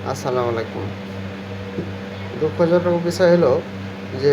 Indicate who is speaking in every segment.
Speaker 1: আসসালামু আলাইকুম। দুঃখজনক বিষয় হলো যে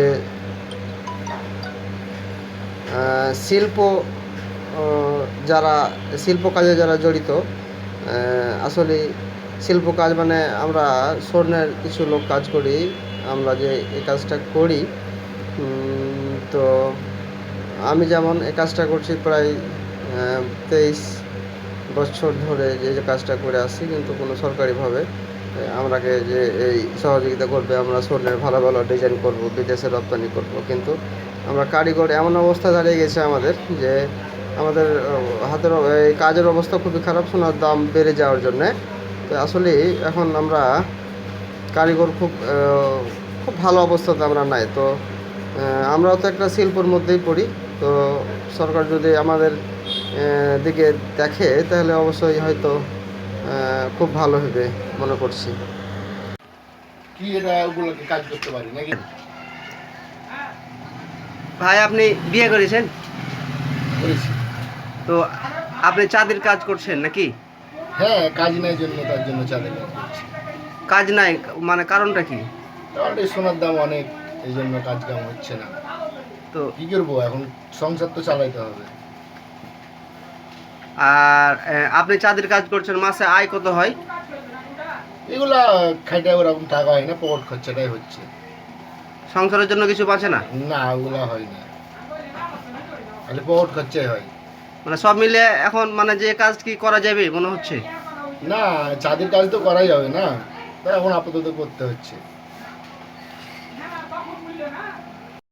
Speaker 1: শিল্প অ যারা শিল্প কাজে যারা জড়িত, আসলে শিল্প কাজ মানে আমরা স্বর্ণের কিছু লোক কাজ করি। আমরা যে এই কাজটা করি, তো আমি যেমন এই কাজটা করছি প্রায় 23 বছর ধরে যে কাজটা করে আসছি, কিন্তু কোনো সরকারিভাবে আমরাকে যে এই সহযোগিতা করবে, আমরা স্বর্ণের ভালো ভালো ডিজাইন করব, বিদেশে রপ্তানি করব, কিন্তু আমরা কারিগর এমন অবস্থা দাঁড়িয়ে গেছে আমাদের যে আমাদের হাতের এই কাজের অবস্থা খুবই খারাপ, সোনার দাম বেড়ে যাওয়ার জন্যে। তো আসলে এখন আমরা কারিগর খুব ভালো অবস্থাতে আমরা নাই। তো আমরাও তো একটা শিল্পর মধ্যেই পড়ি। তো সরকার যদি আমাদের দিকে দেখে তাহলে অবশ্যই হয়তো খুব ভালো হবে মনে করছি।
Speaker 2: কি এটা ওগুলোকে কাজ করতে পারি নাকি?
Speaker 1: ভাই, আপনি বিয়ে করেছেন?
Speaker 2: করেছি।
Speaker 1: তো আপনি চাঁদের কাজ করছেন নাকি?
Speaker 2: হ্যাঁ, কাজ নাই জন্য তার জন্য চাঁদে কাজ করছি।
Speaker 1: কাজ নাই মানে কারণটা কি?
Speaker 2: কারণ এই সোনার দাম অনেক, এই জন্য কাজ কাম হচ্ছে না।
Speaker 1: তো
Speaker 2: কি করবো এখন, সংসার তো চালাইতে হবে।
Speaker 1: আর আপনি চাঁদের কাজ করছেন, মাসে আয় কত হয়?
Speaker 2: এগুলা খাইতে ওরকম টাকা হয় না, পকেট খরচাটাই হচ্ছে।
Speaker 1: সংসারের জন্য কিছু বাঁচে না?
Speaker 2: না, ওগুলা হয় না, খালি পকেট খরচাই হয়।
Speaker 1: মানে সব মিলে এখন মানে যে কাজ কি করা যাবে মনে হচ্ছে?
Speaker 2: না, চাঁদের কাজ তো করাই যাবে না, তাই এখন আপাতত করতে হচ্ছে।